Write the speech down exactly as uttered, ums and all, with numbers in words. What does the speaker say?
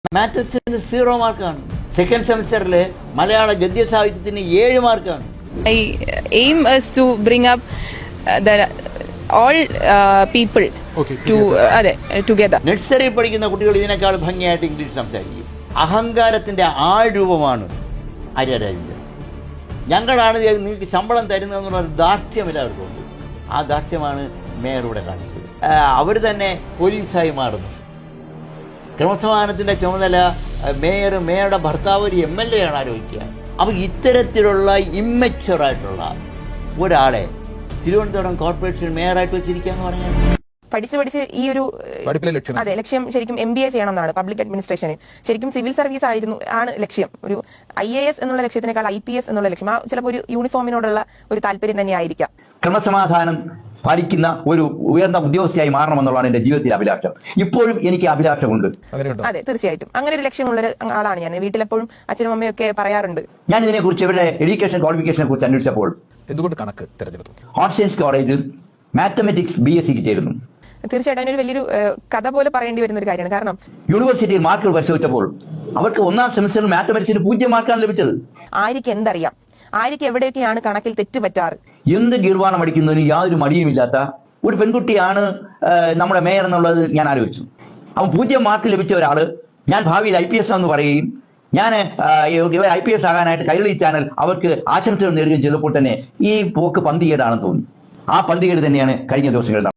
മാത്തസിന് zero മാർക്കാണ്. Second സെമിസ്റ്ററിൽ മലയാള ഗദ്യ സാഹിത്യത്തിന് ഏഴ് മാർക്കാണ്. My aim is to bring up uh, the all uh, people Okay, to uh, അതെ together. Nursery പഠിക്കുന്ന കുട്ടികൾ ഇതിനേക്കാൾ ഭംഗിയായിട്ട് ഇംഗ്ലീഷ് സംസാരിക്കും. അഹങ്കാരത്തിന്റെ ആൾരൂപമാണ് ആര്യ രാജേന്ദ്രൻ. ഞങ്ങളാണ് നിങ്ങൾക്ക് ശമ്പളം തരുന്നതെന്നുള്ള ദാർഢ്യമില്ല അവർക്കുണ്ട്. ആ ദാർഢ്യമാണ് മേയറൂടെ കാണിച്ചത്. അവർ തന്നെ പോലീസായി മാറുന്നു. ക്രമസമാധാനത്തിന്റെ ചുമതല മേയർ മേയറുടെ ഭർത്താവ് ഒരു എം എൽ എ ആണ് ആലോചിക്കുക. അപ്പോൾ ഇത്തരത്തിലുള്ള ഇമ്മച്ചുവറായിട്ടുള്ള ഒരാളെ തിരുവനന്തപുരം കോർപ്പറേഷൻ മേയറായിട്ട് വെച്ചിരിക്കുക എന്ന് പറഞ്ഞാൽ പഠിച്ച് പഠിച്ച് ഈ ഒരു അതെ ലക്ഷ്യം ശരിക്കും എം ബി എ ചെയ്യണം എന്നാണ് പബ്ലിക് അഡ്മിനിസ്ട്രേഷന്. ശരിക്കും സിവിൽ സർവീസ് ആയിരുന്നു ആണ് ലക്ഷ്യം. ഒരു ഐ എ എസ് എന്നുള്ള ലക്ഷ്യത്തിനേക്കാൾ ഐ പി എസ് എന്നുള്ള ലക്ഷ്യം, ആ ചിലപ്പോൾ ഒരു യൂണിഫോമിനോടുള്ള ഒരു താല്പര്യം തന്നെ ആയിരിക്കാം. ക്രമസമാധാനം പാലിക്കുന്ന ഒരു ഉയർന്ന ഉദ്യോഗസ്ഥയായി മാറണമെന്നുള്ളതാണ് എന്റെ ജീവിതത്തിലെ അഭിലാഷം. ഇപ്പോഴും എനിക്ക് അഭിലാഷമുണ്ട്. അതെ, തീർച്ചയായിട്ടും അങ്ങനെ ഒരു ലക്ഷ്യമുള്ള ആളാണ് ഞാൻ. വീട്ടിലെപ്പോഴും അച്ഛനും അമ്മയും ഒക്കെ പറയാറുണ്ട്. ഞാൻ ഇതിനെ കുറിച്ച് ഇവരുടെ എഡ്യൂക്കേഷൻ ക്വാളിഫിക്കേഷനെ കുറിച്ച് അന്വേഷിച്ചപ്പോൾ എന്തുകൊണ്ട് കണക്ക് തിരഞ്ഞെടുത്തു? ആർട്സ് സയൻസ് കോളേജിൽ മാത്തമെറ്റിക്സ് ബി എസ് സിക്ക് ചേരുന്നു. തീർച്ചയായിട്ടും അതിനൊരു വലിയൊരു കഥ പോലെ പറയേണ്ടി വരുന്ന ഒരു കാര്യമാണ്. കാരണം യൂണിവേഴ്സിറ്റിയിൽ മാർക്കുകൾ പരിശോധിച്ചപ്പോൾ അവർക്ക് ഒന്നാം സെമിസ്റ്ററിൽ മാത്തമെറ്റിക്സിന് പൂജ്യം മാർക്കാണ് ലഭിച്ചത്. ആര്യക്ക് എന്തറിയാം, ആര്യക്ക് എവിടെയൊക്കെയാണ് കണക്കിൽ തെറ്റുപറ്റാറ്. എന്ത് ഗീർവാണം അടിക്കുന്നതിന് യാതൊരു മടിയുമില്ലാത്ത ഒരു പെൺകുട്ടിയാണ് നമ്മുടെ മേയർ എന്നുള്ളത് ഞാൻ ആലോചിച്ചു. അവൻ പൂജ്യം മാർക്ക് ലഭിച്ച ഒരാള് ഞാൻ ഭാവിയിൽ ഐ പി എസ് എന്ന് പറയുകയും ഞാൻ ഇവർ ഐ പി എസ് ആകാനായിട്ട് കൈരളി ചാനൽ അവർക്ക് ആശംസകൾ നേടുകയും ചെയ്തപ്പോൾ തന്നെ ഈ പോക്ക് പന്തികേടാണെന്ന് തോന്നി. ആ പന്തികേട് തന്നെയാണ് കഴിഞ്ഞ ദിവസങ്ങളിൽ